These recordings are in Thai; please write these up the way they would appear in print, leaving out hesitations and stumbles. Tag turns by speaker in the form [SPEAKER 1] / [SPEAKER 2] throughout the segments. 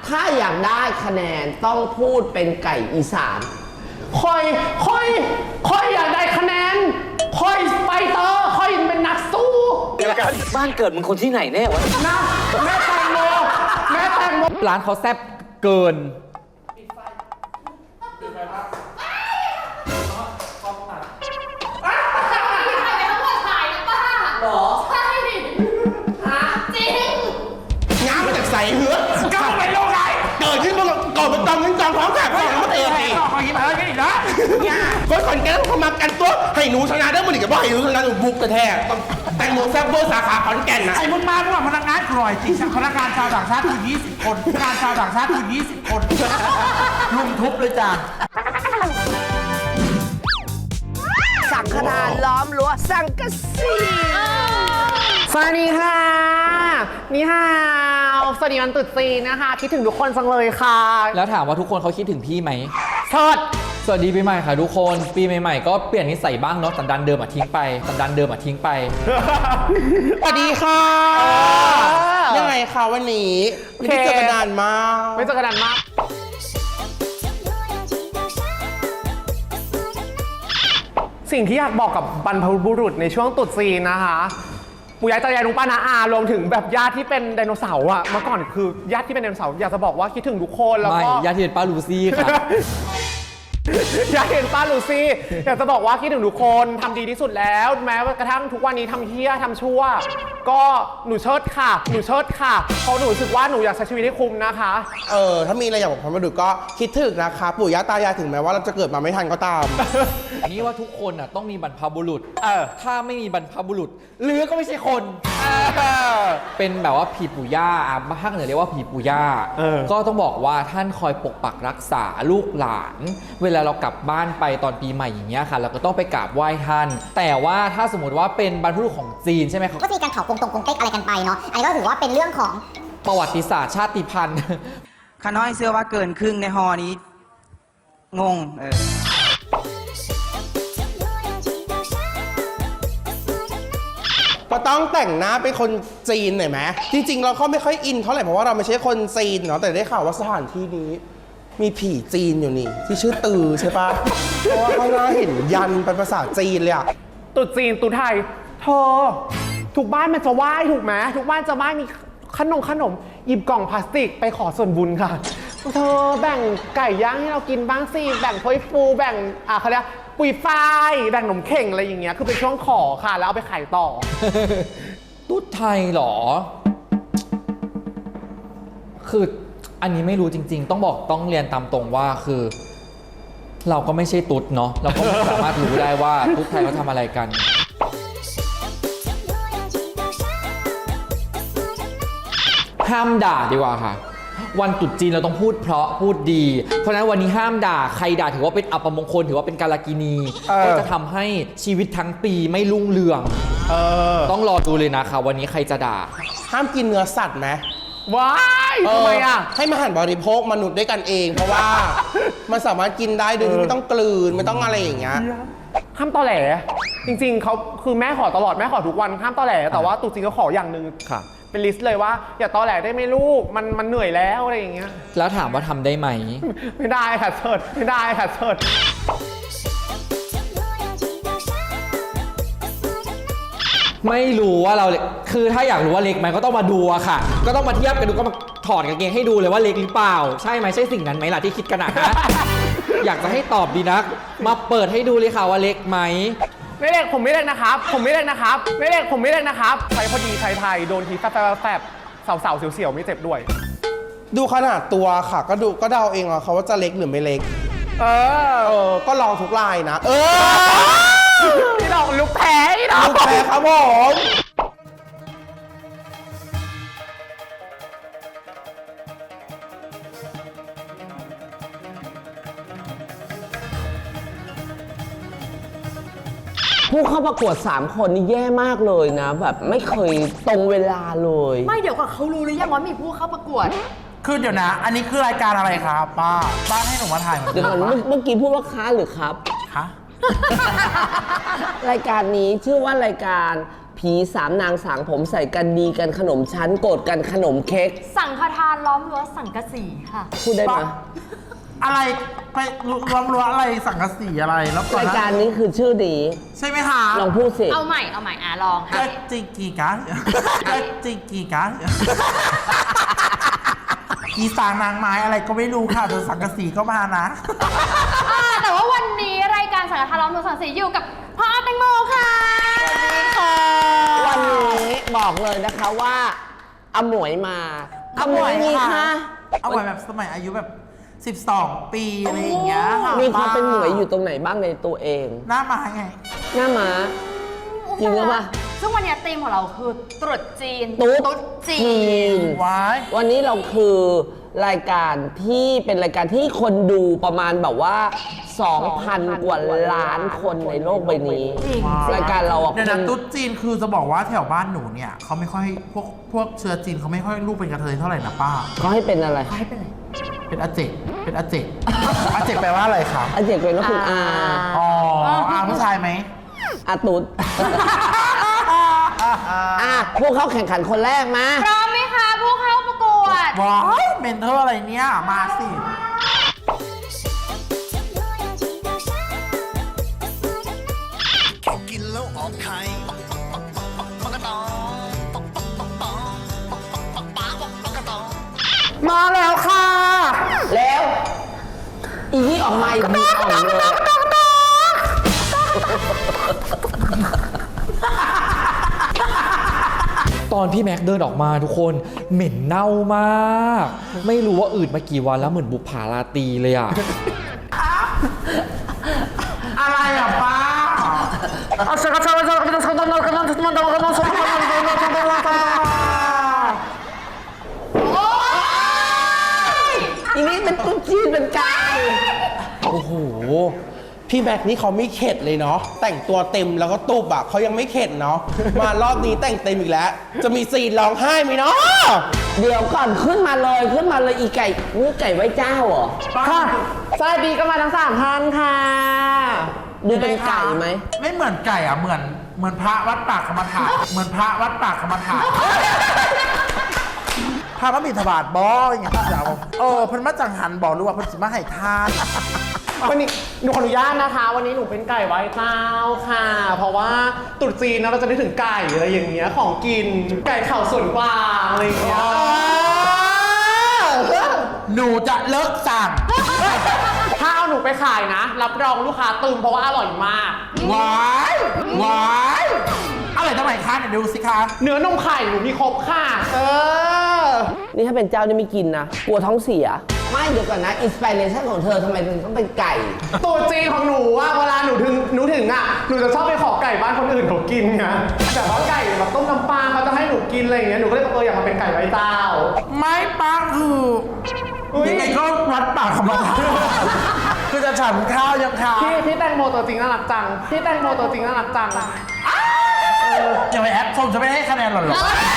[SPEAKER 1] ถ้าอยากได้คะแนนต้องพูดเป็นไก่อีสานค่อยอยากได้คะแนนค่อยไปต่อค่อยเป็นนักสู้
[SPEAKER 2] บ้านเกิดมึงคนที่ไหนแน่วะ
[SPEAKER 1] นะแม่แตงโม
[SPEAKER 3] ร้านเขาแซ่บเกิน
[SPEAKER 1] ง้ามาจากใส่เหือก้าวไปโลกไหนเกิดขึ้นมาก่อนเป็นตอนเงินจองท้องแสบก่อนแล้วมาเตะตีขอยิ้มอะไรกันอีกนะก็คนแกต้องมากันตัวให้หนูชนะได้มันอีกกับว่าให้หนูชนะหนูบุกกระแทกแตงโมแซ่บเวอร์สาขาขอนแก่นนะ
[SPEAKER 4] ไอ้มึงมาพวกพนักงานกร่อยจริงพนักงานชาวต่างชาติถึง20 คนพนักงานชาวต่างชาติถึง20 คนลุมทุบเลยจ้ะ
[SPEAKER 1] สังฆทานล้อมรั้วสังกะสีสวัสดีค่ะนี่ฮาวสวัสดีวันตรุษจีนนะคะคิดถึงทุกคนจังเลยค่ะ
[SPEAKER 3] แล้วถามว่าทุกคนเขาคิดถึงพี่ไหม
[SPEAKER 1] เชิด
[SPEAKER 3] สวัสดีปีใหม่ค่ะทุกคนปีใหม่ๆก็เปลี่ยนนิสัยบ้างเนาะสันดานเดิมทิ้งไปสันดานเดิมทิ้งไป
[SPEAKER 1] สวัสดีค่ะยังไงคะวันนี้ไม่ได้เจอกันนานมากไม่เจอกันนานมากสิ่งที่อยากบอกกับบรรพบุรุษในช่วงตรุษจีนนะคะปู่ย่าตายายลุงป้าน้าอารวมถึงแบบญาติที่เป็นไดโนเสาร์อะเมื่อก่อนคือญาติที่เป็นไดโนเสาร์อยากจะบอกว่าคิดถึงทุกคนแล้ว
[SPEAKER 3] ไม่
[SPEAKER 1] ก็
[SPEAKER 3] ญาติที่เป็นป้าลูซี่ค่ะ
[SPEAKER 1] อยากเห็นป้าลูซี่อยากจะบอกว่าคิดถึงทุกคนทำดีที่สุดแล้วแม้กระทั่งทุกวันนี้ทำเหี้ยทำชั่วก็หนูเชิดค่ะเพราะหนูรู้สึกว่าหนูอยากใช้ชีวิตให้คุ้มนะคะ
[SPEAKER 5] ถ้ามีอะไรอยากบอกความรู้สึกก็คิดถึงนะคะปู่ย่าตายายถึงแม้ว่าเราจะเกิดมาไม่ทันก็ตาม
[SPEAKER 3] นี่ว่าทุกคนอ่ะต้องมีบรรพบุรุษถ้าไม่มีบรรพบุรุษหรือก็ไม่ใช่คนเป็นแบบว่าผีปู่ย่าภาคเหนือเรียกว่าผีปู่ย่าก็ต้องบอกว่าท่านคอยปกปักรักษาลูกหลานเวลาเรากลับบ้านไปตอนปีใหม่อย่างเงี้ยค่ะเราก็ต้องไปกราบไหว้ท่านแต่ว่าถ้าสมมติว่าเป็นบรรพบุรุษของจีนใช่ไหมครับ
[SPEAKER 6] ก็จะมีการเผากงตรงกงเต็กอะไรกันไปเนาะอันนี้ก็ถือว่าเป็นเรื่องของ
[SPEAKER 3] ประวัติศาสตร์ชาติพันธุ์
[SPEAKER 7] ข้าน้อยเชื่อว่าเกินครึ่งในฮอนี้ งง
[SPEAKER 5] ก็ต้องแต่งหน้าเป็นคนจีนหน่อยไหมจริงๆเราก็ไม่ค่อยอินเท่าไหร่เพราะว่าเราไม่ใช่คนจีนเนาะแต่ได้ข่าวว่าสถานที่นี้ มีผีจีนอยู่นี่ที่ชื่อตือใช่ปะ เพราะว่าข้างหน้าเห็นยันเป็นภาษาจีนเลยอะ
[SPEAKER 1] ตรุษจีนตรุษไทยเธอทุกบ้านมันจะไหว้ถูกไหมทุกบ้านจะไหว้มีขนมหยิบกล่องพลาสติกไปขอส่วนบุญค่ะเธอแบ่งไก่ย่างให้เรากินบ้างสิแบ่งถ้วยฟูแบ่งเขาเรียกปุยฝ้ายแบ่งขนมเข่งอะไรอย่างเงี้ยคือเป็นช่วงขอค่ะแล้วเอาไปขายต่อ
[SPEAKER 3] ตุ๊ดไทยเหรอ คืออันนี้ไม่รู้จริงๆต้องเรียนตามตรงว่าคือ เราก็ไม่ใช่ตุ๊ดเนาะเราก็ไม่สามารถรู้ได้ว่าตุ๊ดไทยเขาทำอะไรกัน ห้ามด่าดีกว่าค่ะ วันตรุษจีนเราต้องพูดเพราะพูดดี เพราะฉะนั้นวันนี้ห้ามด่าใครด่าถือว่าเป็นอัปมงคลถือว่าเป็นกาลกินีก็จะทำให้ชีวิตทั้งปีไม่รุ่งเรืองต้องรอดูเลยนะคะวันนี้ใครจะด่า
[SPEAKER 5] ห้ามกินเนื้อสัตว์ไหม
[SPEAKER 1] ว้ายทำไมอ่ะ
[SPEAKER 5] ให้มาหันบริโภคมนุษย์ด้วยกันเอง เพราะว่า มันสามารถกินได้โดยที่ไม่ต้องกลืนไม่ต้องอะไรอย่างเงี้ย
[SPEAKER 1] ห้ามตอแหลจริงๆเขาคือแม่ขอตลอดแม่ขอทุกวันห้ามตอแหลแต่ว่าตรุษจีนเขาขออย่างหนึ่งเป็นลิสต์เลยว่าอย่าตอแหลได้ไหมลูกมันเหนื่อยแล้วอะไรอย่างเงี้ย
[SPEAKER 3] แล้วถามว่าทำได้ไหม
[SPEAKER 1] ไม่ได้ค่ะเสิร์ชไม่ได้ค่ะเสิร์ช
[SPEAKER 3] ไม่รู้ว่าเราคือถ้าอยากรู้ว่าเล็กไหมก็ต้องมาดูอะค่ะ ก็ต้องมาเทียบกันดูก็มาถอดกางเกงให้ดูเลยว่าเล็กหรือเปล่าใช่ไหมใช่สิ่งนั้นไหมล่ะที่คิดกันนะ อยากจะให้ตอบดีนักมาเปิดให้ดูเลยค่ะว่าเล็กไหม
[SPEAKER 1] ไม่เล็กผมไม่เล็กนะครับไม่เล็กนะครับใช้พอดีใช้ไทยโดนทีแฟบสาวๆเสียวๆไม่เจ็บด้วย
[SPEAKER 5] ดูขนาดตัวค่ะก็เดาเองอะเขาว่าจะเล็กหรือไม่เล็กก็ลองทุกลายนะ
[SPEAKER 1] พี่ดอกลูกแพ้พี่ดอก
[SPEAKER 5] ลูกแพ้ครับผม
[SPEAKER 1] ผู้เข้าประกวด3คนนี่แย่มากเลยนะแบบไม่เคยตรงเวลาเลย
[SPEAKER 8] ไม่เดี๋ยวก่อนเขารู้หรือยังว่ามีผู้เข้าประกวด
[SPEAKER 4] คือเดี๋ยวนะ อันนี้คือรายการอะไรครับป้าให้หนูมาถ่ายเหมือน
[SPEAKER 1] เดี๋ยวก่อนเมื่อกี้พูดว่าค้าหรือครับ
[SPEAKER 4] คะ
[SPEAKER 1] รายการนี้ชื่อว่ารายการผี
[SPEAKER 9] ผีสามนางสางผมใส่กันดีกันขนมชั้นโกรธกันขนมเค้ก
[SPEAKER 8] สังฆทานล้อมรั้วสังกะสีค่ะ
[SPEAKER 9] พูดได้ไหม
[SPEAKER 4] อะไรไปรวมอะไรสังกะสีอะไรแล้วก่อน
[SPEAKER 9] ราย
[SPEAKER 4] นะ
[SPEAKER 9] การนี้คือชื่อดี
[SPEAKER 4] ใช่ไหมคะ
[SPEAKER 9] ลองพูดสิ
[SPEAKER 8] เอาใหม่ลองค่ะ
[SPEAKER 4] เจ๊จิกีกะเจ๊จิกีกะอีสางนางไม้อะไรก็ไม่รู้ค่ะแต่สังกะสีก็มานะ
[SPEAKER 8] แต่ว่าวันนี้รายการสังฆทานล้อมรั้วสังกะสีอยู่กับพ่อแตงโมค่ะ
[SPEAKER 9] วันนี้บอกเลยนะคะว่าอมวยมาอมวยมีค่ะ
[SPEAKER 4] เอาไว้แบบสมัยอายุแบบ12 ปีอะไรอย่างเงี้ยค่ะ
[SPEAKER 9] มีความเป็นหมวยอยู่ตรงไหนบ้างในตัวเอง
[SPEAKER 4] หน้ามาไง
[SPEAKER 9] หน้าม้าจริงหรือเปล่า
[SPEAKER 8] ซึ่งวันนี้ธีมของเราคือตรุษจีน
[SPEAKER 9] ตุ๊ด
[SPEAKER 8] จี
[SPEAKER 9] จี
[SPEAKER 8] น
[SPEAKER 9] น
[SPEAKER 4] ว้าย
[SPEAKER 9] วันนี้เราคือรายการที่เป็นรายการที่คนดูประมาณแบบว่า 2,000 กว่าล้านคนในโลกใบนี้ รายการเราอ่ะ
[SPEAKER 4] เดี๋ยว
[SPEAKER 9] ค
[SPEAKER 4] นะ
[SPEAKER 9] น
[SPEAKER 4] ตุ๊ดจีนคือจะบอกว่าแถวบ้านหนูเนี่ยเขาไม่ค่อยพวกเชื้อจีนเขาไม่ค่อยลูกเป็นกระเทยเท่าไหร่นะป้า
[SPEAKER 9] เขาให้เป็นอะไร
[SPEAKER 4] เป็นอาเจกเป็นอาเจกอาเจกแปลว่าอะไรคะ
[SPEAKER 9] อาเจกเป็นว่าคุณอา
[SPEAKER 4] อ๋ออาผู้ชายไหม
[SPEAKER 9] อาตุดพวกเขาแข่งขันคนแรกมา
[SPEAKER 8] พร้อมไหมคะผู้เข้าประกวด
[SPEAKER 4] ว้ายเมนเทอร์อะไรเนี่ยมาสิ
[SPEAKER 10] กินแล้วออกไข่ปกตองปกตอง
[SPEAKER 1] มาแล้วค่ะ
[SPEAKER 9] แล้ว อีนี่ออกมาอีกนี่ออกเลย
[SPEAKER 3] ตอนพี่แม็กเดินออกมาทุกคนเหม็นเน่ามาก ไม่รู้ว่าอืดมากี่วันแล้วเหมือนบุปผาราตรีเลยอ่ะ
[SPEAKER 4] อะไรอ่ะป้า
[SPEAKER 9] อีนี่เป็นตุ๊ดจีนเป็นไก่
[SPEAKER 5] โอ้โห พี่แม็กนี่เขาไม่เข็ดเลยเนาะ แต่งตัวเต็มแล้วก็ตุบอะเขายังไม่เข็ดเนาะ มารอบนี้แต่งเต็มอีกแล้ว จะมีซีนร้องไห้ไหมเนาะ
[SPEAKER 9] เดี๋ยวก่อนขึ้นมาเลยอีไก่นี่ไก่ไว้เจ้าเหรอ
[SPEAKER 1] ค่ะสวัสดีก็มาทั้ง3 ท่านค่ะ
[SPEAKER 9] ดูเป็นไก่ไหม
[SPEAKER 4] ไม่เหมือนไก่อ่ะเหมือนพระวัดปากกรรมฐานเหมือนพระวัดปากกรรมฐานพระพระบิณฑบาตบ่อย่างเงี้ยจ้าเพิ่นมาจังหันบอกหรือว่าเพิ่นสิมาให้ทาน
[SPEAKER 1] วันนี้หนูขออนุญาตนะคะ วันนี้หนูเป็นไก่ไว้เต้าค่ะ เพราะว่าตรุษจีนนะเราจะได้ถึงไก่อะไรอย่างเงี้ยของกินไก่เข่าส่วนกลางอะไรอย่างเงี้ย
[SPEAKER 4] หนูจะเลิกสั่ง
[SPEAKER 1] ถ้าเอาหนูไปขายนะ รับรองลูกค้าตึมเพราะว่าอร่อยมาก
[SPEAKER 4] ว้ายอะไรทำไมคะเนี่ยดูสิคะ
[SPEAKER 1] เนื้อนมไข่หนูมีครบค่ะ
[SPEAKER 9] นี่ถ้าเป็นเจ้านี่ไม่กินนะ กลัวท้องเสีย ไม่เดี๋ยวก่อนนะ อินสปิเรชันของเธอทำไมถึงต้องเป็นไก่
[SPEAKER 1] ตัวจีนของหนูว่าเวลาหนูถึงอ่ะหนูจะชอบไปขอไก่บ้านคนอื่นเขากินไงแต่ว่าไก่แบบต้มน้ำปลาเขาจะให้หนูกินอะไรอย่างเงี้ยหนูก็เลยอยากมาเป็นไก่ไว้เต้า
[SPEAKER 4] ไม่ป้าคือยังไงก็วัดปากกรรมฐานคือจะฉันข้าวยังข้าว
[SPEAKER 1] พี่แตงโมตัวจริงน่ารักจังพี่แตงโมตัวจริงน่ารักจัง
[SPEAKER 4] อย่าไปแอปชมจะไม่ให้คะแนนหรอ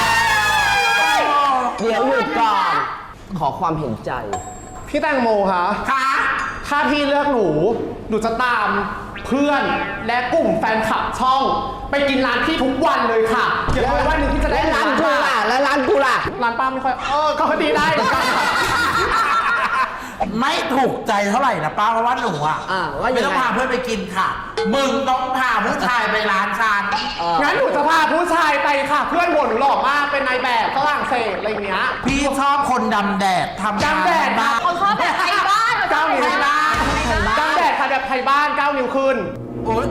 [SPEAKER 9] เดี๋ยวหยุดก่อน ขอความเห็นใจ
[SPEAKER 1] พี่แตงโมคะ
[SPEAKER 4] ค่ะ
[SPEAKER 1] ถ้าพี่เลือกหนูจะตามเพื่อนและกลุ่มแฟนคลับช่อง ไปกินร้านพี่ทุกวันเลยค่ะอย่าเลยวันหนึ่งที่จะได้
[SPEAKER 9] แล้วร้านกูล่ะ แล้วร้านกูล่ะ
[SPEAKER 1] ร้านป้าไม่ค่อยก็ดีได้เหมือนกันค่ะ
[SPEAKER 4] ไม่ถูกใจเท่าไหร่นะป้าเพราะว่าหนูอ่ะ
[SPEAKER 9] ว่ายังไง
[SPEAKER 4] ไม่ต้องพาเพื่อนไปกินค่ะ มึงต้องพาผู้ชายไปร้านฉัน
[SPEAKER 1] งั้นหนูจะพาผู้ชายไปค่ะ เพื่อนบ่นหนูหล่อมากเป็นนายแบบฝรั่งเศสอะไรอย่างเงี้ย
[SPEAKER 4] พี่ชอบคนดำแดดทำงาน
[SPEAKER 1] ดำแดด
[SPEAKER 4] บ้าน
[SPEAKER 8] เขาชอบแบบไทยบ้าน
[SPEAKER 1] 9 นิ้ว
[SPEAKER 8] ไทยบ้าน
[SPEAKER 1] ดำแดดค่ะแบบไทยบ้าน 9 นิ้วขึ้น
[SPEAKER 4] โอ๊ย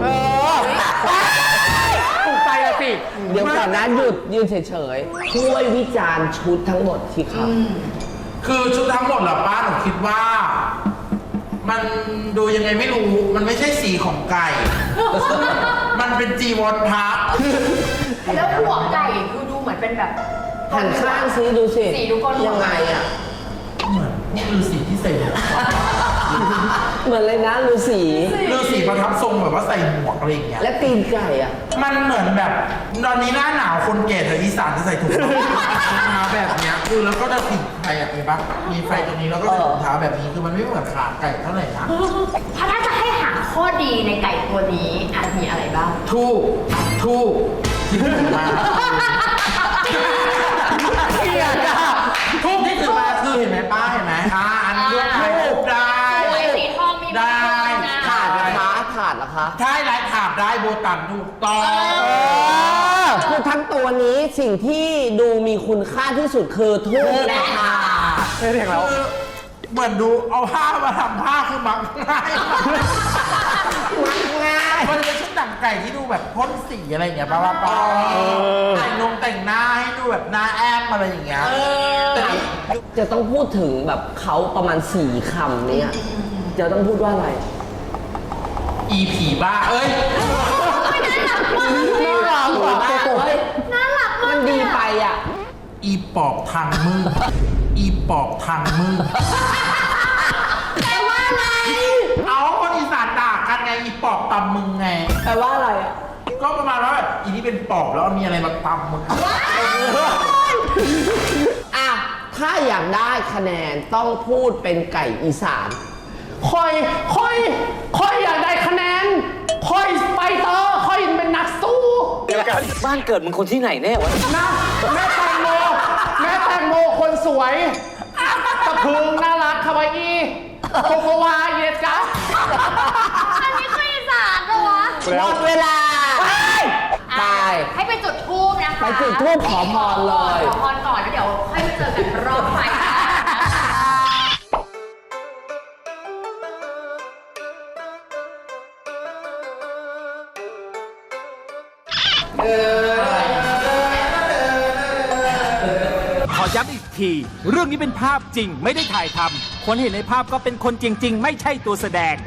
[SPEAKER 1] ถูกใจละสิ
[SPEAKER 9] เดี๋ยวก่อนนะหยุดยืนเฉยๆ ช่วยวิจารณ์ชุดทั้งหมดที่ครับ
[SPEAKER 4] คือชุดทั้งหมดเหรอป้าหนูคิดว่า มันดูยังไงไม่รู้ มันไม่ใช่สีของไก่ มันเป็นจีวรพระ
[SPEAKER 8] แล้วหัวไก่คือดูเหมือนเป็นแบบ
[SPEAKER 9] หันข้างซิดูสิ
[SPEAKER 8] สีดูก้น
[SPEAKER 9] ยังไงอ่ะ
[SPEAKER 4] เหมือนฤาษีที่ใส่หมวก
[SPEAKER 9] เหมือนเลยนะฤาษี
[SPEAKER 4] ฤาษีประทับทรงแบบว่าใส่หมวกอะไรอย่างเงี้ย
[SPEAKER 9] และตีนไก่อ่ะ
[SPEAKER 4] มันเหมือนแบบตอนนี้หน้าหนาวคนแก่แถวอีสานจะใส่ถุงเท้าแบบเนี้ยคือแล้วก็จะผิดไฟอ่ะเห็นปะมีไฟตรงนี้แล้วก็ใส่ถุงเท้าแบบนี้คือมันไม่เหมือนขาไก่เท่าไหร่นะ
[SPEAKER 8] ถ้าจะให้หาข้อดีในไก่ตัวนี้อาจมีอะไรบ้าง
[SPEAKER 4] ทูบที่ถือมาทูบที่ถือมาคือเห็นไหมป้าเห็นไหมอันนี้ด้วยถ่ายรูปได้
[SPEAKER 8] สวยสีทองมี
[SPEAKER 4] ได้
[SPEAKER 8] นะ
[SPEAKER 9] ถาดนะคะถาดเหรอคะ
[SPEAKER 4] ใช่ลายถาบได้โบตันถูกต้อง
[SPEAKER 9] คือทั้งตัวนี้สิ่งที่ดูมีคุณค่าที่สุดคือทูบนะคะ
[SPEAKER 1] ไม่เรียกแล้ว
[SPEAKER 4] เหมือนดูเอาผ้ามาทำผ้าคือมักง่ายมันจะเป็นชุดหนังไก่ที่ดูแบบพ่นสีอะไรอย่างเงี้ยป้าแต่งหน้าให้ดูแบบหน้าแอมอะไรอย่างเงี้ยแต่นี่
[SPEAKER 9] จะต้องพูดถึงแบบเขาประมาณ4 คำเนี่ยจะต้องพูดว่าอะไร
[SPEAKER 4] อีผีบ้าเอ้ย
[SPEAKER 9] น่ารักว่ะเฮ้ย
[SPEAKER 8] น่ารักมาก
[SPEAKER 9] มันดีไปอ่ะ
[SPEAKER 4] อีปอบทางมืออีปอบทางมือ
[SPEAKER 8] แปลว่าอะไร
[SPEAKER 4] เอาคนอีสานด่ากันไงอีปอบตำมึงไง
[SPEAKER 9] แปลว่าอะไรอ่ะ
[SPEAKER 4] ก็ประมาณว่าแบบอีนี่เป็นปอบแล้วมีอะไรมาตำมึง
[SPEAKER 9] อ่ะ ถ้าอยากได้คะแนนต้องพูดเป็นไก่อีสาน
[SPEAKER 1] ค่อยอยากได้คะแนนค่อยไปเตอร์ค่อยเป็นนักสู้
[SPEAKER 2] เดียวกันบ้านเกิดมึงคนที่ไหนแน่วะ
[SPEAKER 1] นะแม่แตงโมคนสวยตะพึงน่ารักคาวาอิโกโกวาเยสกะ
[SPEAKER 8] อันนี้คืออีสานเหรอวะ
[SPEAKER 9] หมดเวลา ตาย
[SPEAKER 8] ให้ไปจุดธูปนะคะ
[SPEAKER 9] ไปจุดธูปขอพรเลย
[SPEAKER 8] ขอพรก่อนแล้วเดี๋ยวค่อยมาเจอกันรอบใหม่ค่ะ
[SPEAKER 11] ขอย้ำอีกที เรื่องนี้เป็นภาพจริงไม่ได้ถ่ายทำคนเห็นในภาพก็เป็นคนจริง ๆ ไม่ใช่ตัวแสดง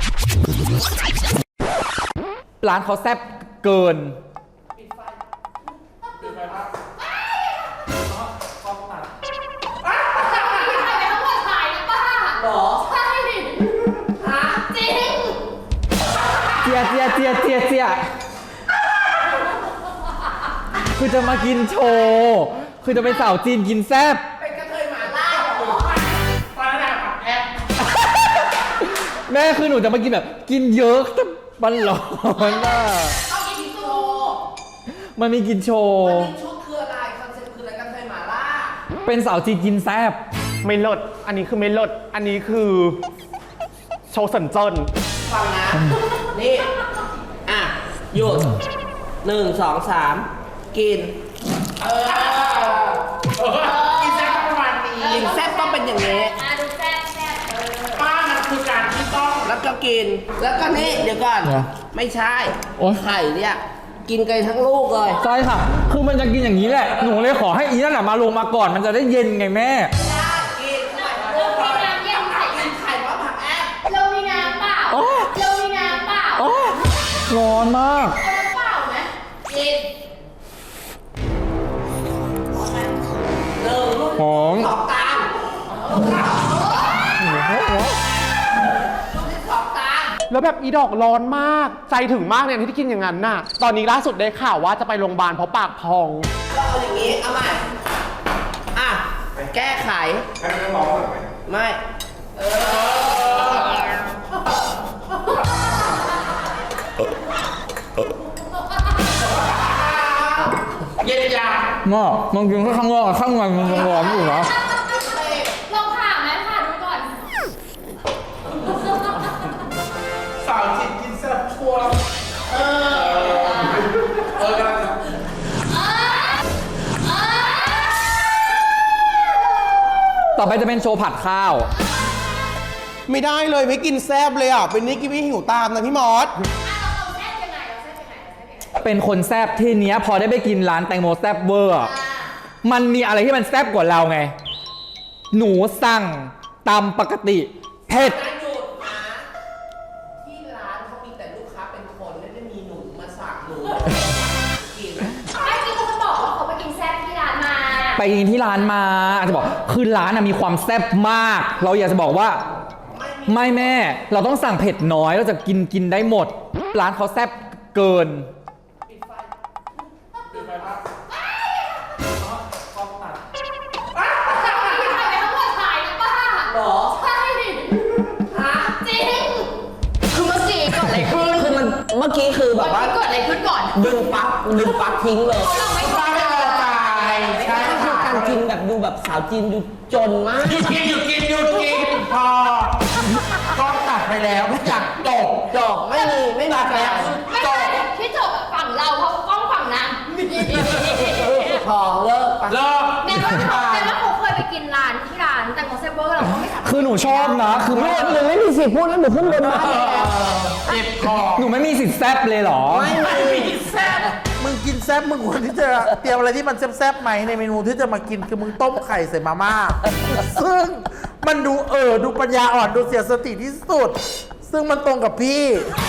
[SPEAKER 3] ร้านเขาแซ่บเกิน เจียคือจะมากินโชว์ คือจะเป็นสาวจีนกินแซ่บ แม่คือหนูจะมากินแบบกินเยอะแต่มันร้อนอ่ะมันมีกินโชว์
[SPEAKER 9] ชุดคืออะไร คอนเซ็ปต์คืออะไรกันเคยหมาล่า
[SPEAKER 3] เป็นสาวจีนกินแซ่บ
[SPEAKER 1] ไม่ลดอันนี้คือไม่ลดอันนี้คือโชว์สันเจิ้น
[SPEAKER 9] ฟังนะ นี่ อ่ะ หยุด 1 2 3 กิน
[SPEAKER 4] อีแซ่บประมาณนี้
[SPEAKER 9] กินแซ่บต้องเป็นอย่างนี้
[SPEAKER 8] ดูแซ่บ
[SPEAKER 4] ป้ามันคือการที่ต้อง
[SPEAKER 9] แล้วก็กิน แล้วก็นี่เดี๋ยวก่อน
[SPEAKER 3] เหรอ
[SPEAKER 9] ไม่ใช่
[SPEAKER 3] โอ๊ย
[SPEAKER 9] ไข่เนี่ย กินกันทั้งลูกเลย
[SPEAKER 3] ใช่ค่ะ คือมันจะกินอย่างนี้แหละ หนูเลยขอให้อีนั่นแหละมาลงมาก่อน มันจะได้เย็นไงแม่
[SPEAKER 9] กิน
[SPEAKER 8] เรามีน้ำเย็นใส่กัน
[SPEAKER 9] ไข่เพราะผักแอบ
[SPEAKER 8] เรามีน้ำเปล่า
[SPEAKER 3] โอ๊ย
[SPEAKER 8] เรามีน้ำเปล่า
[SPEAKER 3] โอ๊ยร้อนมาก
[SPEAKER 8] เอาน้ำเปล่าไหมกิน
[SPEAKER 3] หอม
[SPEAKER 9] สองตาม
[SPEAKER 1] แล้วแบบอีดอกร้อนมากใจถึงมากเนี่ยที่กินอย่างนั้นน่ะตอนนี้ล่าสุดได้ข่าวว่าจะไปโรงพยาบาลเพราะปากพอง
[SPEAKER 9] ก็เอาอย่างนี้ เอาใหม่ อ่ะ แก้ไขไม่
[SPEAKER 4] เย็นยา
[SPEAKER 3] น่ะมันกินแค่ข้างนอกอะข้างในมันยังร้อนอยู่นะ
[SPEAKER 8] ลองผ่าไหมผ่าดูก่อน
[SPEAKER 4] สาวจีนกินแซ่บชัวร์กำลัง
[SPEAKER 3] ต่อไปจะเป็นโชว์ผัดข้าว
[SPEAKER 5] ไม่ได้เลยไม่กินแซบเลยอ่ะ เป็นนี่กินไม่หิวตามนะพี่มอส
[SPEAKER 3] เป็นคนแซบที่เนี้ยพอได้ไปกินร้านแตงโมแซบเวอร์อะมันมีอะไรที่มันแซบกว่าเราไง หนูสั่งตำปกติเผ็ด
[SPEAKER 9] หยุดนะที่ร้านเขามีแต่ลูกค้าเป็นคนไม่ได้มีหนูมาสั่งหนูกิน
[SPEAKER 8] ไม่กินเขาจะบอกว่าเขาไปกินแซ่บที่ร้านมา
[SPEAKER 3] ไปกินที่ร้านมาอาจจะบอกคือร้านมีความแซ่บมาก เราอยากจะบอกว่าไม่แม่ เราต้องสั่งเผ็ดน้อยเราจะกินได้หมด ร้านเขาแซ่บเกิน
[SPEAKER 9] คือเมื่อกี้เกิดอะไรขึ้น คือมันเมื่อกี้คือแบบว่า
[SPEAKER 8] เกิดอะไรขึ้นก่อน
[SPEAKER 9] ดึงปลั๊กทิ้งเลย
[SPEAKER 4] ป้าไม่พอใจใช่
[SPEAKER 9] คือ
[SPEAKER 4] ค่ะ
[SPEAKER 9] การกินแบบดูแบบสาวจีนดูจนมาก
[SPEAKER 4] หยุดกินพอก็ตัดไปแล้วทุกอย่างจบ
[SPEAKER 9] จบไม่มี
[SPEAKER 4] ตัดแล้ว
[SPEAKER 8] ไม่ใช่ที่จบอะฝั่งเราเพราะกล้องฝั่งนาง
[SPEAKER 9] พอเลิกไป
[SPEAKER 4] เลิก
[SPEAKER 8] แต่ว่าเขาเคยไปกินร้านที่ร้านแต่ของเซเวอร์เราก็ไม่สามารถ
[SPEAKER 3] คือหนูชอบนะ คือ
[SPEAKER 9] ไม่
[SPEAKER 3] ไม่
[SPEAKER 9] หนูไม่มีสิทธิ์พูดแล้วหนูขึ้นบนบ้านแล้ว
[SPEAKER 4] เจ็บคอ
[SPEAKER 3] หนูไม่มีสิทธิ์แซบเลยเหรอ
[SPEAKER 9] ไม่มี
[SPEAKER 4] แซ่บมึงกินแซ่บมึงควรที่จะเตรียมอะไรที่มันแซ่บๆไหมในเมนูที่จะมากินคือมึงต้มไข่ใส่มาม่าซึ่งมันดูดูปัญญาอ่อนดูเสียสติที่สุด ซึ่งมันตรงกับพี่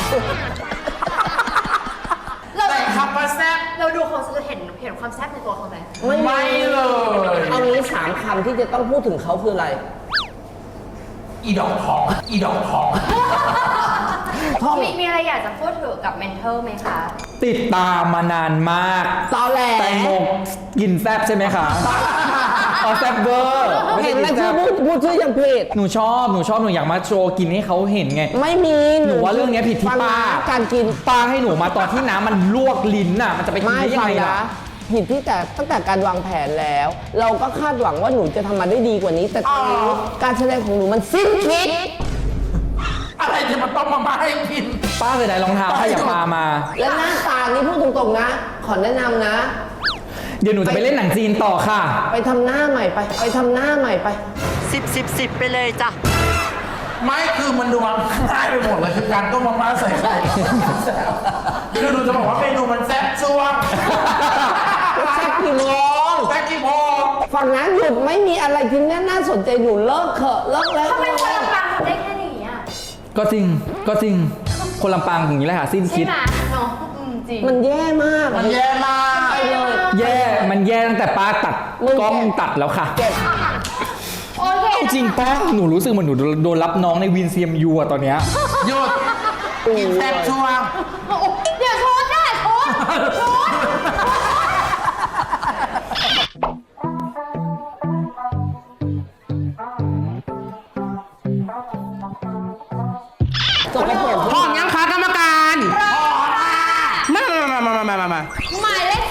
[SPEAKER 4] แต่คำว่าแซ่บ
[SPEAKER 8] เราดูเขาจะเห็นความแซ่บในตัวเขาไหม
[SPEAKER 4] ไม่เลย
[SPEAKER 9] เอางี้3 คำที่จะต้องพูดถึงเขาคืออะไร
[SPEAKER 4] อีดอกทองอีดอกทอง
[SPEAKER 8] มีอะไรอยากจะพูดถึงกับเมนเทอร์ไหมคะ
[SPEAKER 3] ติดตามมานานมาก
[SPEAKER 9] ตอแหล
[SPEAKER 3] แตงโมกินแซบใช่ไหมคะเอาแซบเวอร์ไม่
[SPEAKER 9] เห็
[SPEAKER 3] ใช่
[SPEAKER 9] นไหม
[SPEAKER 3] กินแซ
[SPEAKER 9] ที่
[SPEAKER 3] บ
[SPEAKER 9] พูดชื่อยังผิด
[SPEAKER 3] หนูชอบหนูอยากมาโชว์กินให้เขาเห็นไง
[SPEAKER 9] ไม่มี
[SPEAKER 3] หนูว่าเรื่องนี้ผิดที่
[SPEAKER 9] ฟัง
[SPEAKER 3] ป้า
[SPEAKER 9] นะการกิน
[SPEAKER 3] ป้าให้หนูมาตอนที่น้ำมันลวกลิ้นน่ะ มันจะไปกิน
[SPEAKER 9] ไม่
[SPEAKER 3] ได้ยัง
[SPEAKER 9] ฟัง
[SPEAKER 3] ไง
[SPEAKER 9] นะ
[SPEAKER 3] ล่ะ
[SPEAKER 9] ผิดที่แต่ตั้งแต่การวางแผนแล้ว เราก็คาดหวังว่าหนูจะทำมาได้ดีกว่านี้ แต่ตอนนี้การแสดงของหนูมันสิ้นคิด
[SPEAKER 4] อะไรจะมาต้มมาม่าให้กิน
[SPEAKER 3] ป้าเสียดายรองเท้าค่ะอย่าปามา
[SPEAKER 9] และหน้าตานี้พูดตรงๆนะ ขอแนะนำนะ
[SPEAKER 3] เดี๋ยวหนูจะไปเล่นหนังจีนต่อค่ะ
[SPEAKER 9] ไปทำหน้าใหม่ไป ไปทำหน้าใหม่ไป
[SPEAKER 7] 10 ไปเลยจ้ะ
[SPEAKER 4] ไม่คือมันดูมันง่ายไปหมดเลยคือการต้มมาม่าใส่ไข่คือหนูจะบอกว่าเมนูมันแซ่บช่วง
[SPEAKER 9] แซ่บกี่โมง
[SPEAKER 4] แซ่บกี่โมง
[SPEAKER 9] ฝั่งนั้นหยุดไม่มีอะไรที่น่าสนใจหนูเลิกเถอะเลิกแล้ว
[SPEAKER 8] ทำไมคนลำปางทำได้แค่นี้อ่ะ
[SPEAKER 3] ก็จริง คนลำปางอย่างนี้แหละค่ะ สิ้น
[SPEAKER 8] ใช่
[SPEAKER 3] คิด
[SPEAKER 8] ไหมเนาะจริง
[SPEAKER 9] มันแย่มาก
[SPEAKER 4] มันแย่มาก
[SPEAKER 9] ไปเลย
[SPEAKER 3] มันแย่ตั้งแต่ป้าตัด
[SPEAKER 9] มึง
[SPEAKER 3] กล้องตัดแล้วค่ะ
[SPEAKER 9] เก็บ
[SPEAKER 8] โอเค
[SPEAKER 3] เอาจริงป้าหนูรู้สึกเหมือนหนูโดนรับน้องในวินเซียมยูอะตอนเนี้ย
[SPEAKER 4] หยุดกินแซ่บช่วง
[SPEAKER 8] เดี๋ยวโทษได้โทษ
[SPEAKER 9] จบไปเถอะ
[SPEAKER 5] พร้อมยังคะกรรมการมา
[SPEAKER 8] หมายเลข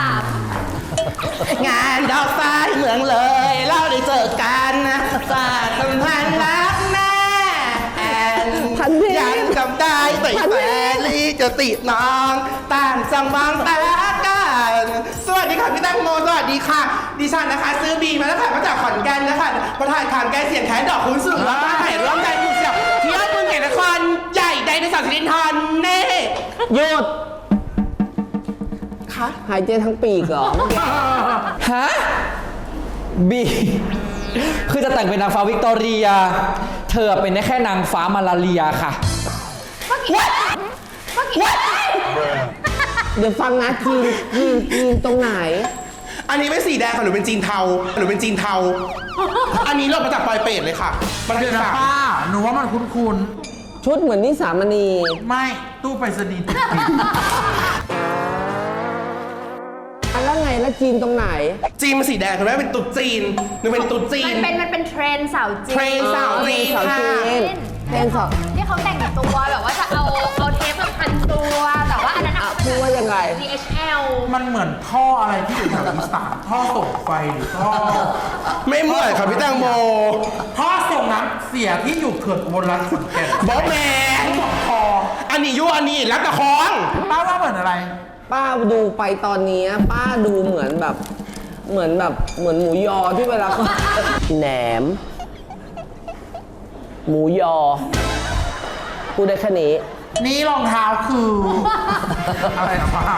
[SPEAKER 5] งานดอกทรายเมืองเลยเราได้เจอกันนะสาดสัมพันธ์รักแน่แอนยังจำได้แต่ลีจะติดน้องต่างจังบางตากันสวัสดีค่ะพี่แตงโมสวัสดีค่ะ ดิฉันนะคะ ซื้อบีมาแล้วค่ะมาจากขอนแก่นนะคะประธานขานแกเสียงแขนดอกคุณสุดแล้วก็ถ่ายร่วมกันอยู่เสียที่ยอดเมืองแก่นครใหญ่ไดโนเสาร์สิรินทรเน่
[SPEAKER 9] หยุด
[SPEAKER 5] คะ
[SPEAKER 9] หายใจทั้งปีกเหรอ
[SPEAKER 3] ฮะ บี คือจะแต่งเป็นนางฟ้าวิกตอเรีย เธอเป็นได้แค่นางฟ้ามาลาเรียค่ะ
[SPEAKER 9] เดี๋ยวฟังนะจีนตรงไหน
[SPEAKER 5] อันนี้เป็นสีแดงค่ะหนูเป็นจีนเทาอันนี้เรามาจากปลอยเป็ดเลยค่ะมา
[SPEAKER 4] เดี๋ยวนะ
[SPEAKER 5] จาก
[SPEAKER 4] ป้า หนูว่ามันคุ้น
[SPEAKER 9] ชุดเหมือนนิสามณี
[SPEAKER 4] ๆ ไม่ตู้ไปรษณีย์ติด
[SPEAKER 9] แล้วไงแล้วจีนตรงไหน
[SPEAKER 5] จีนมันสีแดงคุณแม่เป็นตุ๊ดจีนหนูเป็นตุ๊ดจีน
[SPEAKER 8] มันเป็นเทรนด์สาวจีน
[SPEAKER 5] เทรนด์สาวจีน
[SPEAKER 9] สาว
[SPEAKER 5] ค่ะ
[SPEAKER 9] จีนเทรนสอบ
[SPEAKER 8] ที่เขาแต่งตัวแบบว่าจะเอาเทปมาพันตัว แต่ว่าอันนั้น
[SPEAKER 9] พูดว่ายังไง
[SPEAKER 8] DHL
[SPEAKER 4] มันเหมือนท่ออะไรที่อยู่แถวอีสานท่อส่งไฟหรือท่อ
[SPEAKER 5] ไม่เหมือนค่ะพี่แตงโม
[SPEAKER 4] ท่อส่งน้ำเสียที่อยู่เขื่อนอุบลรัตน์ขอนแก่น
[SPEAKER 5] บอสแมน
[SPEAKER 4] คอ
[SPEAKER 5] อันนี้ยั่วอันนี้รับตะคอง
[SPEAKER 4] ป้าว่าเหมือนอะไร
[SPEAKER 9] ป้าดูไปตอนนี้ป้าดูเหมือนหมูยอที่เวลาเขา แหนม หมูยอ พูดได้แค่นี้
[SPEAKER 4] นี่รองเท้าคือ อะไรนะป้า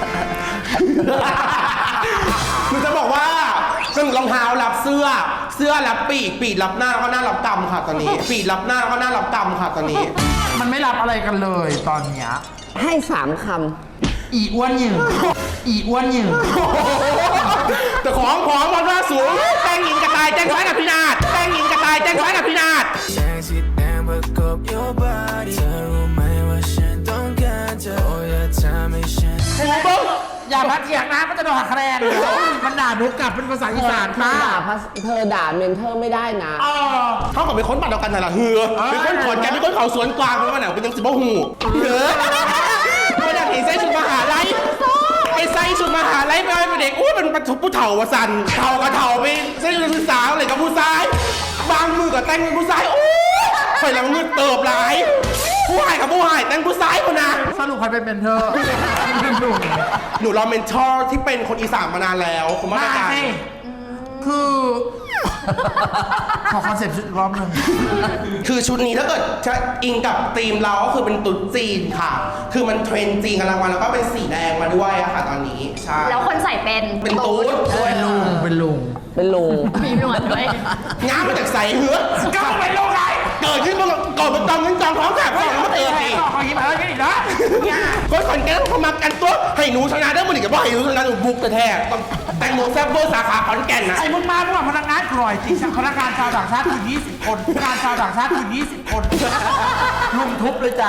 [SPEAKER 5] หนูจะบอกว่าซึ่งรองเท้ารับเสื้อรับปีกรับหน้าแล้วก็หน้ารับตำค่ะตอนนี้ ปีกรับหน้าแล้วก็หน้ารับตำค่ะตอนนี้
[SPEAKER 4] มันไม่รับอะไรกันเลยตอนเนี้ย
[SPEAKER 9] ให้3 ค
[SPEAKER 4] อีอ้วนหยิ่งอีอ้วนหยิ่ง
[SPEAKER 5] แต่ของมันว่าสูงแป้งหญิงกระต่ายแจ้งไว้กับพี่นาฏแป้งหญิงกระต่ายแจ้งไว้กับพี่นาฏ
[SPEAKER 10] แสงสีแดงประกบ your body เธอรู้ไหมว่าฉันต้องการเธอโอ้อย่าทำให้ฉัน
[SPEAKER 4] ครูบึ้งอย่ามาเถียงนะก็จะโดนหักคะแนนมันด่าหนูกลับเป็นภาษาอีสาน
[SPEAKER 9] ำ
[SPEAKER 4] ค่ะ
[SPEAKER 9] เธอด่าเมนเทอร์ไม่ได้นะ
[SPEAKER 5] เขากับเป็นคนบ้านเดียวกันน่ะล่ะเฮือเป็นคนขอนแก่นเป็นคนเขาสวนกวางเป็นวันไหนเป็นยังสิบหูเฮือเป็นนักเห็นเส้นชุดมหาลัยเป็นใส่ชุดมหาลัยไปเป็นเด็กอุ้ยเป็นผู้เฒ่าวะสันเฒ่ากับเฒ่าไปใส่ชุดศึกษาอะไรกับผู้ชายบางมือกับแต่งเป็นผู้ชายโอ้ยคอยละเงินเติบหลายผู้หายกับผู้หายแต่งผู้ชายคนนะ
[SPEAKER 4] สรุปใครเป็นเมนเทอร์
[SPEAKER 5] หนูรอเมนทอร์ที่เป็นคนอีสานมานานแล้วคุณมาตรการ
[SPEAKER 4] คือ ขอคอนเซ็ปต์ชุดอีกรอบหนึ่ง
[SPEAKER 5] คือชุดนี้ถ้าเกิดจะอิงกับธีมเราก็คือเป็นตุ๊ดจีนค่ะ คือมันเทรนด์จีนกำลังมาแล้วก็เป็นสีแดงมาด้วยอะค่ะตอนนี้ใช่
[SPEAKER 8] แล้วคนใส่เป็น
[SPEAKER 5] เป็นตุ๊ดด้วย
[SPEAKER 4] เป็นลุง
[SPEAKER 9] เป็นลุง
[SPEAKER 8] มีหนวดด้วย
[SPEAKER 5] ง้ามาจากใส่เหือก็เป็นโรคไรเกิดขึ้นมาก่อนมันจองเงินจองท้องแสบสองแล้วมาเกิดอีก
[SPEAKER 4] ขอยิ้มอะไรกันอีกนะ
[SPEAKER 5] คนขอนแก่นเขามากันตัวให้หนูชนะได้มันอีกกับว่าให้หนูชนะหนูบุกแต่แท้ต้องแตงโมแซ่บเวอร์สาขาขอนแก่นนะ
[SPEAKER 4] ไอ้มึงมาเมื่อวานพนักงานกร่อยจริงพนักงานชาวต่างชาติคือ20 คนพนักงานชาวต่างชาติคือ20 คนลุมทุบเลยจ้ะ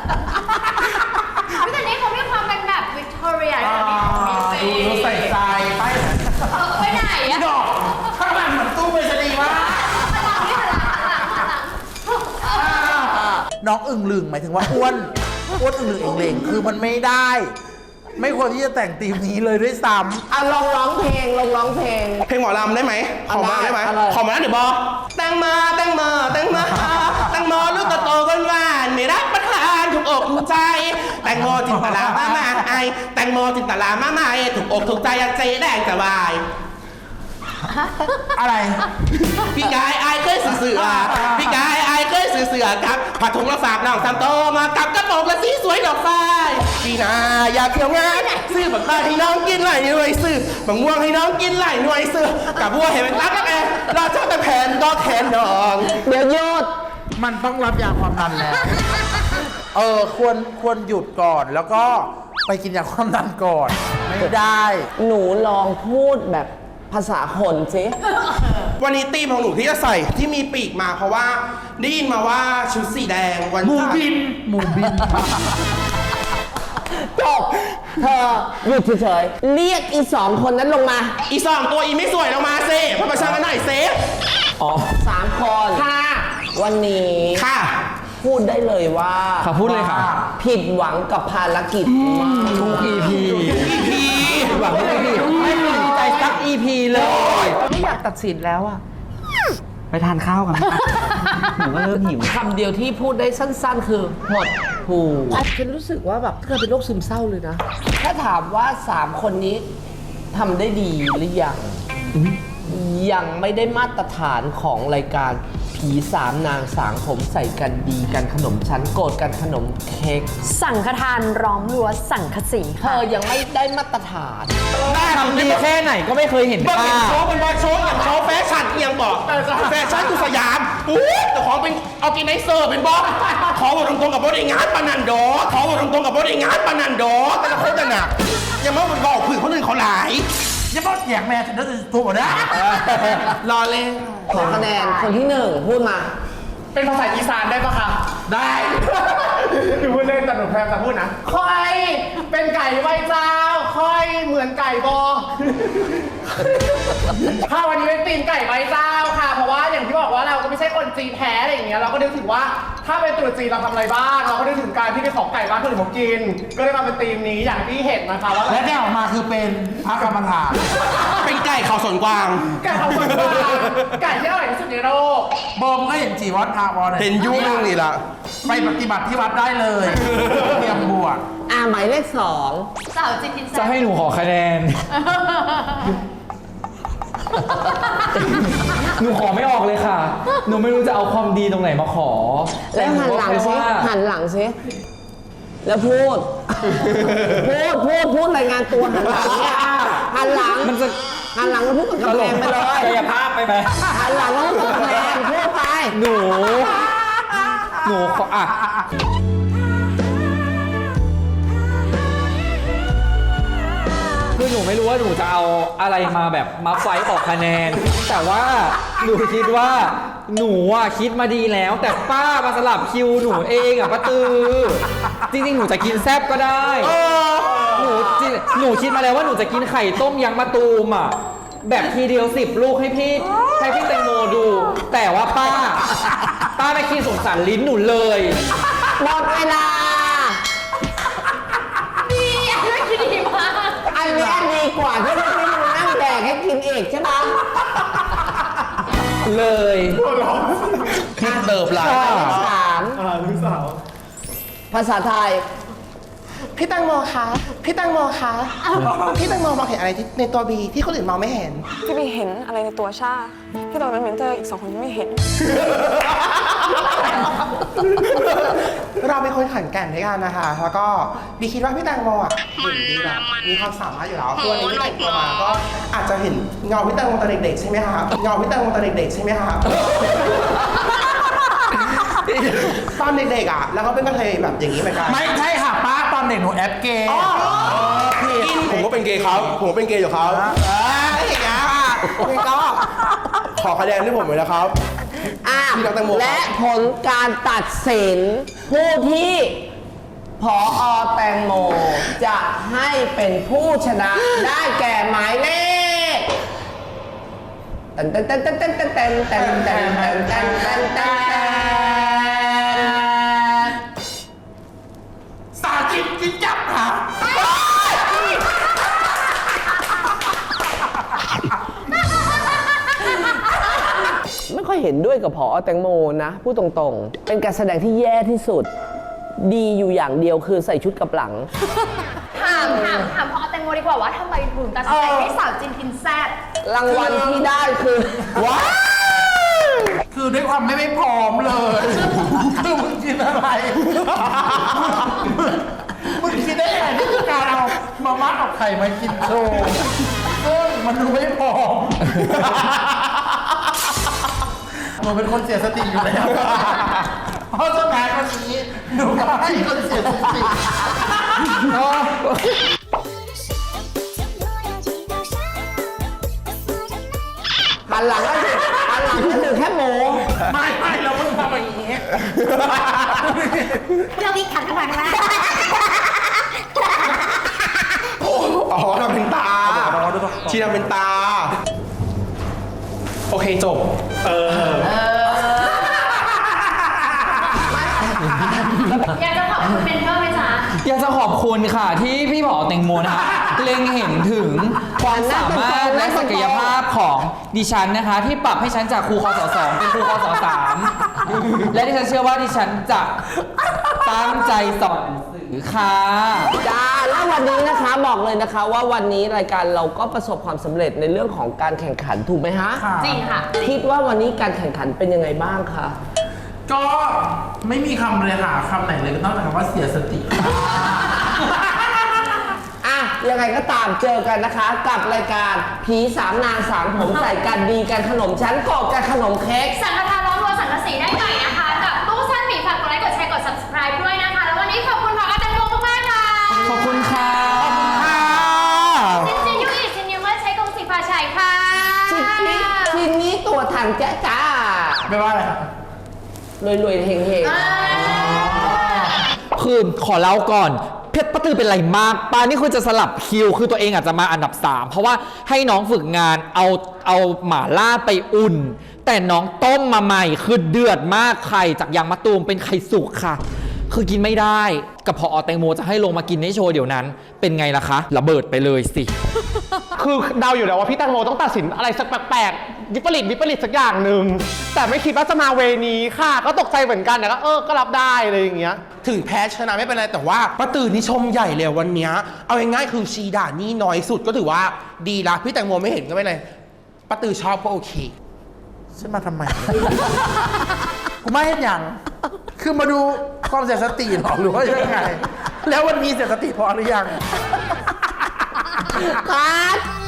[SPEAKER 8] แต่นี้เขามีความเป็นแบบวิกตอเรีย
[SPEAKER 4] ดูใส่ใจไป
[SPEAKER 8] ไปไหนอะ
[SPEAKER 4] ดอกข้างหลังเหมือนตู้ไปรษณีย์มาก น้องอึ่งลึงหมายถึงว่าอ้วนอึ่งลึงเองเลงคือมันไม่ได้ ไม่ควรที่จะแต่งธีมนี้เลยด้วยซ้ำ
[SPEAKER 9] อ่ะลองร้องเพลง
[SPEAKER 5] เพลงหมอลำได้ไหมขอมาได้ไหม
[SPEAKER 9] อะไร
[SPEAKER 5] ขอมาแล้วเดี๋ยวบอแตงมาแตงมาแตงมาแตงโมลูกโตๆก้นหวานไม่รับประทานถูกอกถูกใจแตงโมจินตลามามาไอแตงโมจินตลามามาถูกอกถูกใจอยากเจ๊แดงสบาย
[SPEAKER 4] อะไร
[SPEAKER 5] พี่กายไอายเคยสื่อเสือพี่กายไอายเคยสื่อเสือครับผัดถุงละฝากน้องสามโตมากับกระโปรงละสีสวยดอกฟ้ายพี่นาอยากเที่ยวงานซื้อบักตาให้น้องกินไหลหน่วยซื้อบักม่วงให้น้องกินไหลหน่วยซื้อกับบัวเห็นเป็นตั๊กแล้วแกรอเจ้าแต่แผ่นก็แขนน้อง
[SPEAKER 9] เดี๋ยวหยุด
[SPEAKER 4] มันต้องรับยาความดันแล้ว ควรหยุดก่อนแล้วก็ไปกินยาความดันก่อน ไม่ได้
[SPEAKER 9] หนูลองพูดแบบภาษาคนสิ
[SPEAKER 5] วันนี้ธีมของหนูที่จะใส่ที่มีปีกมาเพราะว่าได้ยินมาว่าชุดสีแดงวัน
[SPEAKER 4] หมูบิน
[SPEAKER 9] จบ เธอหยุดเฉยๆเรียกอีสองคนนั้นลงมา
[SPEAKER 5] อีสองตัวอีไม่สวยลงมาเซ่พอประชันกันหน่อยเซ่
[SPEAKER 3] อ๋อ
[SPEAKER 9] 3 คนค่ะ วันนี้
[SPEAKER 5] ค่ะ
[SPEAKER 9] พูดได้เลยว่า
[SPEAKER 3] ค่ะพูดเลยค่ะ
[SPEAKER 9] ผิดหวังกับภารกิจมาก
[SPEAKER 3] ทุก EP หวังทุก EP ไม่มีใจสัก EP เลย
[SPEAKER 7] ไม่อยากตัดสินแล้วอะไปทานข้าวกันไหมหนูก็เริ่มหิว
[SPEAKER 9] คำเดียวที่พูดได้สั้นๆ คือหดหูฉันรู้สึกว่าแบบเธอเป็นโรคซึมเศร้าเลยนะ ถ้าถามว่า 3 คนนี้ทำได้ดีหรือยัง ยังไม่ได้มาตรฐานของรายการผี3 นางสางผมใส่กันดีกันขนมชั้นโกรธกันขนมเค้ก
[SPEAKER 8] สังฆทานร้อมรั้วสังฆสี
[SPEAKER 9] เธอยังไม่ได้มาตรฐาน
[SPEAKER 3] ทำดีแค่ไหนก็ไม่เคยเห็น
[SPEAKER 5] เมื่อ
[SPEAKER 3] ป้า
[SPEAKER 5] เห็นโชว์เป็นบอลโชว์อย่างโชว์แฟชั่นเอียงบอกแฟชั่นคือสยามอู้แต่ของเป็นออร์แกไนเซอร์เป็นบอสขอบอกตรงๆกับบริงานปานันดอขอบอกตรงๆกับบริงานปานันดอแต่ละคนแต่หนักยังไม่บอกผืนคนอื่นเขาหลาย
[SPEAKER 4] อย่าบอกเสียงแม่ฉันจะถูกนะ
[SPEAKER 5] รอเล่น
[SPEAKER 9] ขอคะแนนคนที่ 1 พูดมา
[SPEAKER 1] เป็นภาษาอีสานได้ปะคะ ได้หนูพูดเล่นแต่หนูพยายามจะพูดนะคอยเป็นไก่ไหวเจ้าคอยเหมือนไก่บอ ค่ะวันนี้เป็นตีนไก่ไหวเจ้าค่ะ เพราะว่าอย่างที่บอกว่าเราก็ไม่ใช่คนจีนแท้อะไรอย่างเงี้ยเราก็นึกถึงว่าถ้าเป็นตรุษจีนเราทำอะไรบ้างเราก็นึกถึงการที่ไปขอไก่บ้านคนอื่นเขากิน ก็เลยมาเป็นตีมนี้อย่างที่เห็นนะคะว่า
[SPEAKER 4] และได้ออกมาคือเป็นพระกรรมฐาน
[SPEAKER 5] เป็นไก่เขาสวนกวาง
[SPEAKER 1] ไก่เขาสวนกวางไก่ที่อร่อยที่สุดในโลก
[SPEAKER 4] โบมก็เห็นจีวัดอาบอล
[SPEAKER 5] เห็นยุ่งนี่ละ
[SPEAKER 4] ไปปฏิบัติที่วัดได้เลย เตรียมบวช
[SPEAKER 9] หมายเลข
[SPEAKER 8] สาวจินกิน
[SPEAKER 3] จะให้หนูขอคะแนน หนูขอไม่ออกเลยค่ะ หนูไม่รู้จะเอาความดีตรงไหนมาขอ
[SPEAKER 9] 2 แล้วหันหลังซิ
[SPEAKER 3] แต่นูก็แค่ว่า
[SPEAKER 9] หันหลังซิแล้วพูด พูดรายงานตัวหันหลังเนี่ยหันหลัง
[SPEAKER 3] มันจะ
[SPEAKER 9] หันหลังแล้วพูดกับกำแพงไปเลย
[SPEAKER 3] กายภาพไปไหม
[SPEAKER 9] หันหลังแล้วพูดกับกำแพงพูดไป
[SPEAKER 3] หนูขออ่ะ คือหนูไม่รู้ว่าหนูจะเอาอะไรมาแบบมาไฟต์ออกคะแนน แต่ว่าหนูคิดว่าหนูอ่ะคิดมาดีแล้ว แต่ป้ามาสลับคิวหนูเองอ่ะป้าตือ จริงๆ หนูจะกินแซบก็ได้ หนูคิดมาแล้วว่าหนูจะกินไข่ต้มยางมะตูมอ่ะแบบทีเดียว10 ลูกให้พี่แตงโมดู แต่ว่าป้าไม่คิดสงสารลิ้นหนูเลย
[SPEAKER 9] หมดเวลา
[SPEAKER 8] ดีอันนี้ดีมาก
[SPEAKER 9] อะไรกว่าที่ไม่มานั่งแดกให้กินเองใช่ไหมเลย
[SPEAKER 5] คิดเติบหลาย
[SPEAKER 9] ข้อที่สาม
[SPEAKER 1] ลูกสาว
[SPEAKER 9] ภาษาไทย
[SPEAKER 5] พี่แตงโมคะพี่แตงโมคะพี่แตงโมมองเห็นอะไรที่ในตัวบีที่คนอื่นมองไม่เห็น
[SPEAKER 12] พี่บีเห็นอะไรในตัวชาที่เราเป็นเมนเทอร์อีก2 คนไม่เห็น
[SPEAKER 5] เราเป็นคนขันแกร่งด้วยกันนะคะ แล้วก็บีคิดว่าพี่แตงโมอ่ะเก่งดีแบบมีความสามารถอยู่แล้วคือวันนี้ที่แต่งตัวมาก็อาจจะเห็นเงาพี่แตงโมตอนเด็กๆใช่ไหมคะเงาพี่แตงโมตอนเด็กๆใช่ไหมคะตอนเด็กๆอ่ะแล้วก็เป็นกระเทยแบบอย่างนี้เหมือนกัน
[SPEAKER 4] ไม่ใช่ค่ะป้าตอนเด็กหนูแอปเกย์
[SPEAKER 5] ผมก็เป็นเกย์ครับผมก็เป็นเกย์อยู่ครับอย่างเงี้ยนี่ก็ขอคะแนนที่ผมเลยนะครับ พี่น้องแตงโมครับ
[SPEAKER 9] และผลการตัดสินผู้ที่ผอแตงโมจะให้เป็นผู้ชนะได้แก่หมายเลขเต้นเต้นเต้นเต้นเต้นเต้นเต้นเต้นเต้นเต้นเต้นเต้นเต้น
[SPEAKER 4] สาธิตจิ้นจับค่ะ
[SPEAKER 9] ไม่ค่อยเห็นด้วยกับผอแตงโมนะพูดตรงๆ เป็นการแสดงที่แย่ที่สุด ดีอยู่อย่างเดียวคือใส่ชุดกับหลัง
[SPEAKER 8] ถามพอแตงโมดีกว่าว่าทำไมถึงตัดสินใจให้สาวจินกินแซ่บ
[SPEAKER 9] รางวัลที่ได้คือว้าว
[SPEAKER 4] คือด้วยความไม่พร้อมเลย คือมึงกินอะไร มึงคิดได้ไงที่คือการเอามาม่ากับไข่มากินโชว์ซึ่งมันดูไม่พร้อมหนูเป็นคนเสียสติอยู่แล้ว เพราะฉะนั้นวันนี้หนูก็ให้คนเสียสติ
[SPEAKER 9] หันหลังก็คือแค่โม
[SPEAKER 4] ไม่เราเพิ่งทำอย่างนี้
[SPEAKER 6] เราวิ่งขับกันมาข้างหน้า
[SPEAKER 5] อ๋อทำเป็นตาชีทำเป็นตา โอเคจบ
[SPEAKER 8] อยากจะขอบคุณเมนเทอร์ไหมจ๊ะ
[SPEAKER 3] อยากจะขอบคุณค่ะที่พี่ผอแตงโมนะคะเล็งเห็นถึงความสามารถและศักยภาพของดิฉันนะคะ ที่ปรับให้ฉันจากครูคศ2เป็นครูคศ3และดิฉันเชื่อว่าดิฉันจะตั้งใจสอนหนังสือค่ะ
[SPEAKER 9] จ้าแล้ววันนี้นะคะบอกเลยนะคะว่าวันนี้รายการเราก็ประสบความสำเร็จในเรื่องของการแข่งขันถูกไหมฮะ
[SPEAKER 8] จริงค่ะ
[SPEAKER 9] คิดว่าวันนี้การแข่งขันเป็นยังไงบ้างคะ
[SPEAKER 4] ก็ไม่มีคำเลยค่ะคำไหนเลยก็นอกจากคำว่าเสียสติ
[SPEAKER 9] อ่ะยังไงก็ตามเจอกันนะคะ กับรายการผีสามนางสามผมใส่กันดีกันขนมชั้นกอบกันขนมเค้ก
[SPEAKER 8] สังฆทานล้อมวัวสังกะสีได้ใหม่นะคะ กับตู้ซ่อนหมีฝากกดไลค์กดแชร์กด subscribe ด้วยนะคะ แล้ววันนี้ขอบคุณพอแตงโมมากๆค่ะ
[SPEAKER 3] ขอบคุณค่ะ
[SPEAKER 8] จินจินยูอีจินยูเมื่อใช้กงสีฟ้าชัยค่ะ
[SPEAKER 9] ทีนี้ตัวทางจ้าจ้า
[SPEAKER 4] ไม่ว่าอะไรครับ
[SPEAKER 9] รวยๆเฮง
[SPEAKER 3] คือขอเล่าก่อนเพชรป้าตือเป็นไรมากป้านี่คือจะสลับคิวคือตัวเองอาจจะมาอันดับ 3 เพราะว่าให้น้องฝึกงานเอาหม่าล่าไปอุ่น แต่น้องต้มมาใหม่คือเดือดมากไข่จากยางมะตูมเป็นไข่สุกค่ะ คือกินไม่ได้กับพอแตงโมจะให้ลงมากินในโชว์เดี๋ยวนั้น เป็นไงล่ะคะระเบิดไปเลยสิ
[SPEAKER 1] คือเดาอยู่แล้วว่าพี่แตงโมต้องตัดสินอะไรสักแปลกๆวิปริตสักอย่างหนึ่งแต่ไม่คิดว่าจะมาเวนี้ค่ะ ก็ตกใจเหมือนกันแต่ก็ก็รับได้อะไรอย่างเงี้ย
[SPEAKER 5] ถึงแพ้ชนะไม่เป็นไรแต่ว่าป้าตื่นนี่ชมใหญ่เลยวันเนี้ยเอาง่ายๆคือชีด่านี่น้อยสุดก็ถือว่าดีละพี่แตงโมไม่เห็นก็ไม่เป็นไรป้าตื่นชอบก็โอเค
[SPEAKER 4] ฉันมาทำไม กูไม่เห็นอย่าง คือมาดูความเสียสติหรอหรือว่ายังไง แล้ววันนี้เสียสติพอหรือยัง
[SPEAKER 9] ๆคัด